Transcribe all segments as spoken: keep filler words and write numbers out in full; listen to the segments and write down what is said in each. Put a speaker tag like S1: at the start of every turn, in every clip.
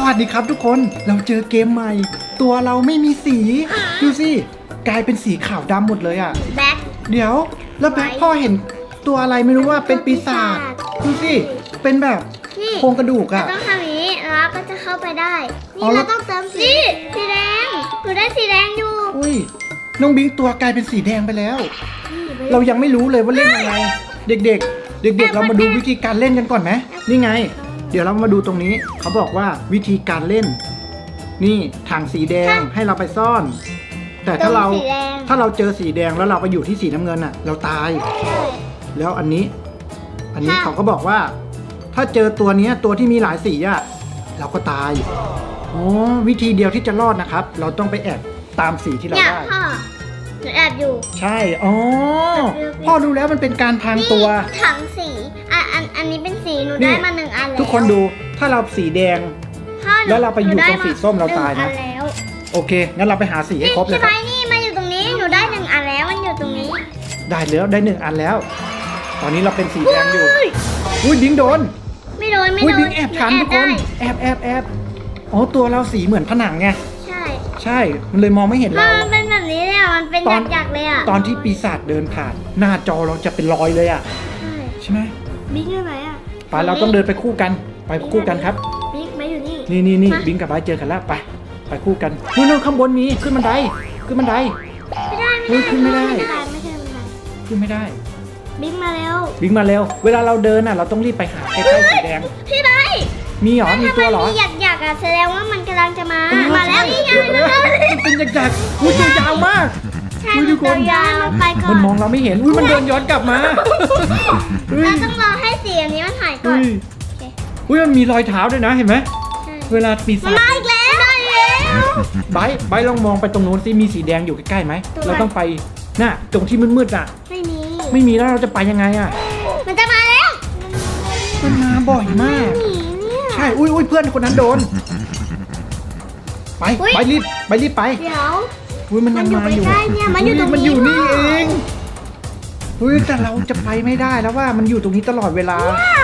S1: วัสดีครับทุกคนเราเจอเกมใหม่ตัวเราไม่มีสีดูสิกลายเป็นสีขาวดำหมดเลยอ่ะ
S2: แบ็ค
S1: เดี๋ยวแล้วแบ็คพ่อเห็นตัวอะไรไม่รู้ว่าเป็นปีศาจดูสิเป็นแบบ
S2: นี่
S1: โครงกระดูก
S2: เรา
S1: อ่ะ
S2: ต้องทำอย่างนี้แล้วก็จะเข้าไปได้
S1: อ๋
S2: นี่
S1: อแล้
S2: เรา
S1: ว
S2: ต้องเติมสีนี่สีแดงหนูได้สีแดงอยู่
S1: อุ้ยน้องบิงตัวกลายเป็นสีแดงไปแล้ว
S2: นี่ไป
S1: เรายังไม่รู้เลยว่าเล่นยังไงเด็กๆ เด็กๆ เรามาดูวิธีการเล่นกันก่อนไหมนี่ไง เดี๋ยวเรามาดูตรงนี้เขาบอกว่าวิธีการเล่น นี่ถังสีแดงให้เราไปซ่อน แต่ถ้าเรา
S2: ติมสีแดง
S1: ถ้าเราเจอสีแดงแล้วเราไปอยู่ที่สีน้ำเงินอ่ะ เราตาย
S2: ใช่
S1: แล้วอันนี้ อันนี้
S2: ค่ะ
S1: เขาก็บอกว่า ถ้าเจอตัวเนี้ยตัวที่มีหลายสีอ่ะเราก็ตายอ๋อวิธีเดียวที่จะรอดนะครับ เราต้องไปแอบตามสีที่เรา
S2: เนี่ย
S1: ได้
S2: พ่อหนูแอบอยู่
S1: ใช่อ๋อพ่อรู้แล้วมันเป็นการพรางตัว
S2: นี่ถังสีอันอันอันนี้เป็นสีหนู
S1: นี่
S2: ได้มาหนึ่งอันแล้ว
S1: ทุกคนดูถ้าเราสีแดง
S2: พ่อหนู
S1: แล้วเราไปอยู่
S2: หนูด้
S1: ตรงสีส้มเราตายนะ
S2: หงอัแล้ว
S1: โอเคงั้นเราไปหาสีให้ครบเลย
S2: ใช่
S1: ค
S2: ไหม
S1: รับ
S2: นี่มาอยู่ตรงนี้หนูได้หนึ่งอันแล้วมันอยู่ตรงนี้
S1: ได้แล้วได้หนึ่งอันแล้ว ตอนนี้เราเป็นสีแดงอยู่
S2: เฮ้ย
S1: อุ้ยบิงโดน
S2: ไม่โดนไม่
S1: อุ้ย
S2: โด
S1: บิ
S2: น
S1: งแอบทัน
S2: ห
S1: ทุกคน
S2: ได้
S1: แอบแอบแอบอ๋อตัวเราสีเหมือนผนังไง
S2: ใช่
S1: ใช่มันเลยมองไม่เห็น
S2: มั
S1: เรา
S2: นเป็นแบบนี้เลยอ่ะมันเป็น
S1: ตอน
S2: หยักๆเลยอ่ะ
S1: ตอนที่ปีศาจเดินผ่านหน้าจอเราจะเป็นรอยเลยอ่ะ
S2: ใช่
S1: ใช่ไหม
S2: บิ๊กอยู่ไหนอ่ะ
S1: ไปเราต้องเดินไปคู่กันไปคู่กันครับ
S2: บิ๊กมาอยู่นี่
S1: นี่นี่นี่
S2: มา
S1: บิงกับไบร์ทเจอกันแล้วไปไปคู่กันนู่นนู่นข้างบนมีขึ้นบันไดขึ้นบันได
S2: ไม่ได้
S1: เฮ้ยขึ้นไม่ได้
S2: ไม่ได้ไม่ใช่ไม่ได้
S1: ขึ้นไม่ได้
S2: บิ๊กมาเร็ว
S1: บิงมาเร็ว เวลาเราเดินอ่ะ เราต้องรีบไปหาใกล้ๆสีแดง
S2: พี่ไบร์ท
S1: มีเหรอ มีตัวเหรอ
S2: ถ้ามันมีหยักๆอ่ะแสดงว่ามันกำลังจะมา
S1: เออ
S2: มาแล้ว
S1: ใช่
S2: นี่ไง
S1: เออมันเป็นหยักๆอุ้ยตัวยาวมาก
S2: ใช่
S1: อุ้ยทุกคน
S2: ตัวยาวไปก่อ
S1: มัน
S2: น
S1: มองเราไม่เห็น อุ้ยมันเดินย้อนกลับมาเฮ้ย
S2: เราต้องรอให้สีอันนี้มันหายก่อ
S1: อุ้
S2: น
S1: ยอุ้ยมันมีรอยเท้าด้วยนะ เห็นไหม
S2: ใช่
S1: เวลาปี
S2: มั
S1: ศาน จ
S2: มาอีกแล้วได้แล้ว
S1: ไบร์ทไบร์ทลองมองไปตรงนู้นสิมีสีแดงอยู่ใกล้ๆไหม
S2: ตรงไหน
S1: เราต้องไปน่ะตรงที่มืดๆอ่ะ
S2: ไม่มี
S1: ไม่มีแล้วเราจะไปยังไงอ่ะ
S2: มันจะมาแล้ว
S1: มันมาบ่อยมาก
S2: หนีเนี่ย
S1: ใช่ อุ้ยอุ้ยเพื่อนคนนั้นโดน ไป
S2: อุ๊ย
S1: ไปรีบ ไปรีบไป
S2: เดี๋ยว
S1: อุ้ยมันยังมาอยู่
S2: มันอยู่ใกล้ๆเนี่ยมันอยู่ตรงนี้
S1: มันอยู่นี่
S2: พ่อ
S1: เองเฮ้ยแต่เราจะไปไม่ได้แล้วว่ามันอยู่ตรงนี้ตลอดเวลา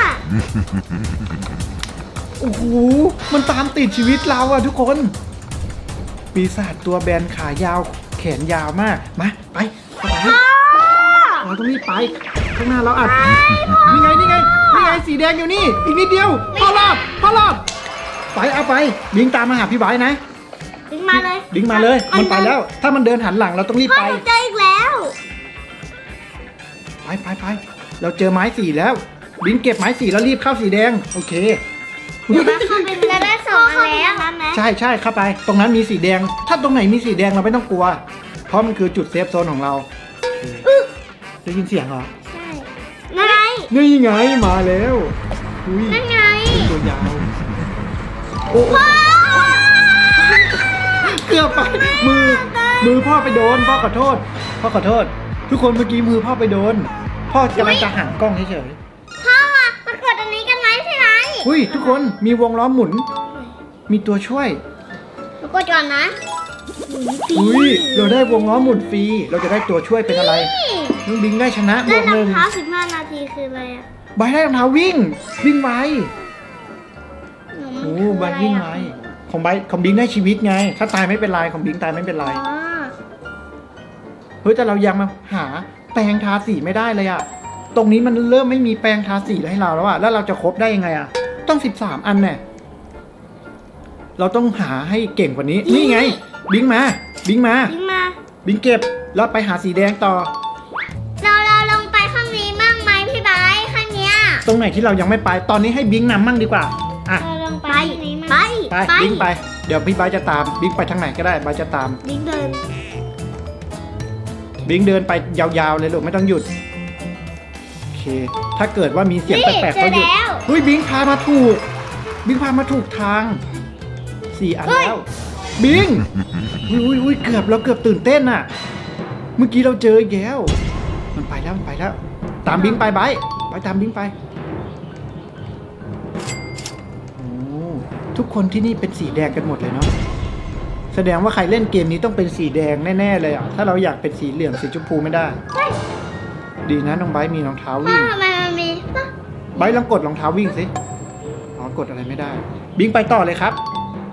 S1: โอ้โห มันตามติดชีวิตเราอะทุกคน ปีศาจตัวแบนขายาวแขนยาวมาก มาไปไปเราต้องรีบไป ข้างหน้าเราอัดนี่ไงนี่ไงนี่ไงสีแดงอยู่นี่ อีกนิดเดียวพ่อรอดพ่อรอด ไปเอาไปบิงตามมาหาพี่ไบร์ทนะ
S2: บิ๊กมาเลย
S1: บิงมาเลย มันไปแล้ว ถ้ามันเดินหันหลังเราต้องรีบ
S2: พ่อ
S1: ไป
S2: หนูเจออีกแล้ว
S1: ไปไปไปเราเจอไม้สีแล้ว บิงเก็บไม้สีแล้วรีบเข้าสีแดง โอเค
S2: เข้าไปจะได้สองอันแล้วนั้นนะ
S1: ใช่ใช่เข้าไป ตรงนั้นมีสีแดง ถ้าตรงไหนมีสีแดงเราไม่ต้องกลัว เพราะมันคือจุดเซฟโซนของเราได้ยินเสียงเหรอ
S2: ใช่นั่นไง
S1: นี่ไงมาแล้วอุ้ย
S2: นั่นไง
S1: เป็นตัวยาวโอ้เกือบไปมือ มือพ่อไปโดน พ่อขอโทษ พ่อขอโทษ ทุกคนเมื่อกี้มือพ่อไปโดน พ่อกำลังจะหันกล้องเฉย
S2: พ่อมากดอันนี้กันไหมพี่ไหม
S1: ๆอุ้ยทุกคนมีวงล้อหมุน มีตัวช่วย
S2: มากดก่อนนะ
S1: อุ้ยเราได้วงล้อหมุนฟรี เราจะได้ตัวช่วยเป็นอะไร น้องบิงได้ชนะบ
S2: ได้
S1: วกหนึ่ง
S2: รองเท้าสิบห้านาทีคืออะไรอ่ะ
S1: ใบได้รองเท้าวิ่ง วิ่งไว
S2: หนู
S1: โอ้
S2: มัน
S1: ใบ
S2: คืออะไร
S1: วิ่งไว
S2: อ่ะ
S1: ของใบของบิงได้ชีวิตไง ถ้าตายไม่เป็นไรของบิงตายไม่เป็นไร
S2: อ๋อ
S1: เฮ้ยแต่เรายังมาหาแปรงทาสีไม่ได้เลยอะตรงนี้มันเริ่มไม่มีแปรงทาสีให้เราแล้วอะแล้วเราจะครบได้ยังไงอะต้องสิบสามอันแน่เราต้องหาให้เก่งกว่านี้ นี่ไง บิงมา บิงมา
S2: ยิงมา
S1: บิงเก็บ แล้วไปหาสีแดงต่อ
S2: เราเราลงไปข้างนี้มั่งไหมพี่ไบร์ทข้างเนี้ย
S1: ตรงไหนที่เรายังไม่ไป ตอนนี้ให้บิงนำมั่งดีกว่า อ่ะ
S2: เราลงไปข้างนี้มั่ง
S1: ไป บิงไป เดี๋ยวพี่ไบร์ทจะตาม บิงไปทางไหนก็ได้ไบร์ทจะตาม
S2: บิ๊กเดิน
S1: บิงเดินไปยาวๆเลยลูกไม่ต้องหยุด โอเค ถ้าเกิดว่ามีเสียง
S2: นี่
S1: แปลกๆ
S2: เจ
S1: ก็
S2: อ
S1: หยุด
S2: แล้ว
S1: เฮ้ยบิงพามาถูก บิงพามาถูกทางสี่อัน
S2: เฮ้ย
S1: แล้ว บิงอุ้ยอุ้ยอุ้ยเกือบเราเกือบตื่นเต้นน่ะ เมื่อกี้เราเจออีกแล้วมันไปแล้วมันไปแล้ว ตามบิงไปไปไปตามบิงไปโอ้ทุกคนที่นี่เป็นสีแดงกันหมดเลยเนาะแสดงว่าใครเล่นเกมนี้ต้องเป็นสีแดงแน่ๆเลยอ่ะถ้าเราอยากเป็นสีเหลืองสีชมพูไม่ได้ ดีนะน้องไบร์ทมีรองเท้า
S2: พ่อ
S1: วิ่ง
S2: ทำไมมันมีปะ
S1: ไบร์ทลองกดรองเท้าวิ่งสิอ๋อกดอะไรไม่ได้ บิงไปต่อเลยครับ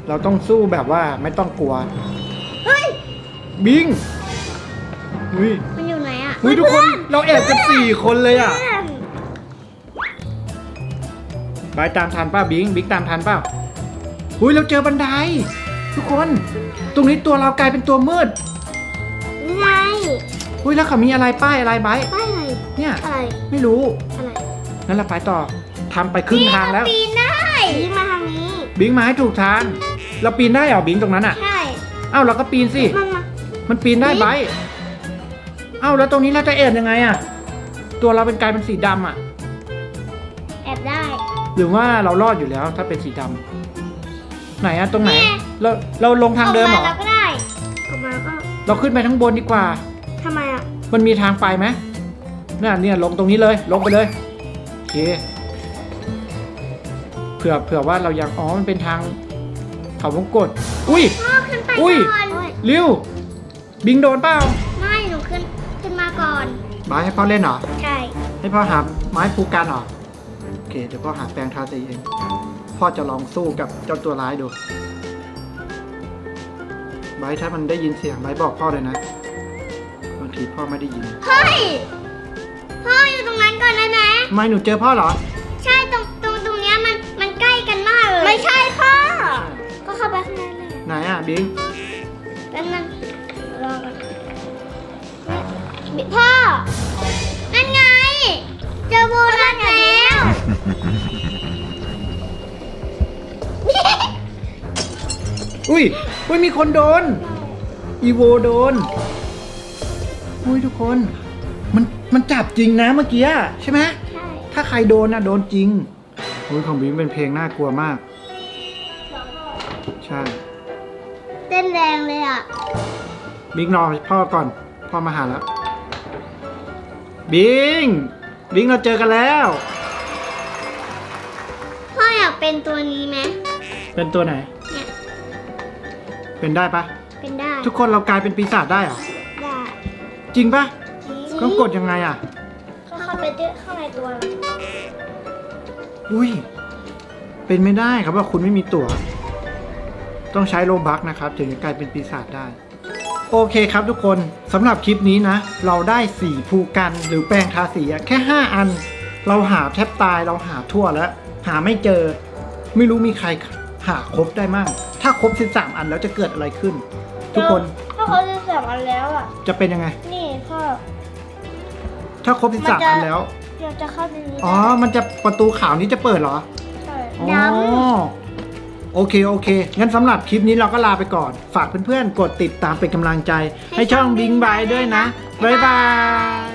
S1: เราต้องสู้แบบว่าไม่ต้องกลัว
S2: เฮ้ย
S1: บิงอุ้ย
S2: มันอยู่ไหนอ่ะ
S1: อุ้ยทุกคนเราแอบกันสี่คนเลยอ่ะ
S2: เพื่อน
S1: บายตามทันป้าบิงบิงตามทันเปล่าอุ้ยเราเจอบันได ทุกคน ตรงนี้ตัวเรากลายเป็นตัวมืด
S2: นี่ไง
S1: อุ้ยแล้วเขามีอะไรป้ายอะไรไบร์ท
S2: ป้ายอะไร
S1: เนี่ย
S2: อะไร
S1: ไม่รู้
S2: อะไร
S1: งั้นเราไปต่อทำไปครึ่งทางแล้ว
S2: ปีนได้นี่มาทางนี้
S1: บิงมาให้ถูกทาง เราปีนได้เหรอบิงตรงนั้นอ่ะ
S2: ใช่
S1: เอ้าเราก็ปีนสิ
S2: มันมา
S1: มันปีนได้ไบร์ทเอ้าแล้วตรงนี้เราจะแอบยังไงอ่ะ ตัวเราเป็นกลายเป็นสีดำอ่ะ
S2: แอบได้
S1: หรือว่าเรารอดอยู่แล้วถ้าเป็นสีดำไหนอะตรงไหน
S2: นี่
S1: เราเราลงทางเดิมเหรอ
S2: ออกมาแล้วก็ได้ออกมาก็
S1: เราขึ้นไปทั้งบนดีกว่า
S2: ทำไมอ่ะ
S1: มันมีทางไปไหมเนี่ยเนี่ยลงตรงนี้เลย ลงไปเลยโอเคเผื่อเผื่อว่าเรายังอ๋อมันเป็นทางเขาวงกตอุ้ย
S2: พ่อขึ้นไป
S1: อุ้ย
S2: ก่อน
S1: ริวบิงโดนเปล่า
S2: ไม่หนูขึ้นขึ้นมาก่อน
S1: บายให้พ่อเล่นเหรอ
S2: ใช่
S1: ให้พ่อหาไม้ภูกันเหรอโอเคเดี๋ยวพ่อหาแปรงทาสีเองพ่อจะลองสู้กับเจ้าตัวร้ายดูไบร์ทถ้ามันได้ยินเสียงไบร์ทบอกพ่อเลยนะบางทีพ่อไม่ได้ยิน
S2: เฮ้ยพ่ออยู่ตรงนั้นก่อนได้ไหม
S1: ทำไมหนูเจอพ่อเหรอ
S2: ใช่ตรงตรงตรงเนี้ยมันมันใกล้กันมากเลยไม่ใช่พ่อก็เข้าไปข้างในเลย
S1: ไหนอ่ะบิง
S2: แป๊บนึงรอก่อนพ่อนั่นไงเจอโบนัสแล้ว
S1: อุ้ยอุ้ยมีคนโดนอีโวโดนอุ้ยทุกคน มันมันจับจริงนะเมื่อกี้ใช่ไหม
S2: ใช่
S1: ถ้าใครโดนนะโดนจริงอุ้ยของบิงเป็นเพลงน่ากลัวมาก ใช่
S2: เต้นแรงเลยอ่ะ
S1: บิงรอพ่อก่อน พ่อมาหาแล้ว บิง บิงเราเจอกันแล้ว
S2: พ่ออยากเป็นตัวนี้ไหม
S1: เป็นตัวไหน
S2: เนี่ย
S1: เป็นได้ปะ
S2: เป็นได้
S1: ทุกคนเรากลายเป็นปีศาจได้เหรอ
S2: ได้
S1: จริงปะ
S2: จริง
S1: ต้องกดยังไงอ่ะ
S2: ก็เข้าไปด้วยข้างในตัว
S1: อุ้ย เป็นไม่ได้ครับว่าคุณไม่มีตั๋ว ต้องใช้โลบัคนะครับถึงจะกลายเป็นปีศาจได้ โอเคครับทุกคนสำหรับคลิปนี้นะ เราได้สีภูกันหรือแปรงทาสีอะแค่ห้าอัน เราหาแทบตายเราหาทั่วแล้ว หาไม่เจอ ไม่รู้มีใครหาครบได้มั่งถ้าครบสิบสามอันแล้วจะเกิดอะไรขึ้น ทุกคน
S2: พ่อเขาจะสับอันแล้วอ่ะ
S1: จะเป็นยังไง
S2: นี่พ่อ
S1: ถ้าครบสิบสามอันแล้ว
S2: เราจะเข้าในนี้
S1: อ๋อ มันจะประตูขาวนี้จะเปิดเหรอ
S2: ใช่
S1: อ๋อ
S2: ดำ
S1: โอเค โอเค งั้นสำหรับคลิปนี้เราก็ลาไปก่อน ฝากเพื่อนๆ กดติดตามเป็นกำลังใจ ให้ช่องบิงบายด้วยนะ บ๊ายบาย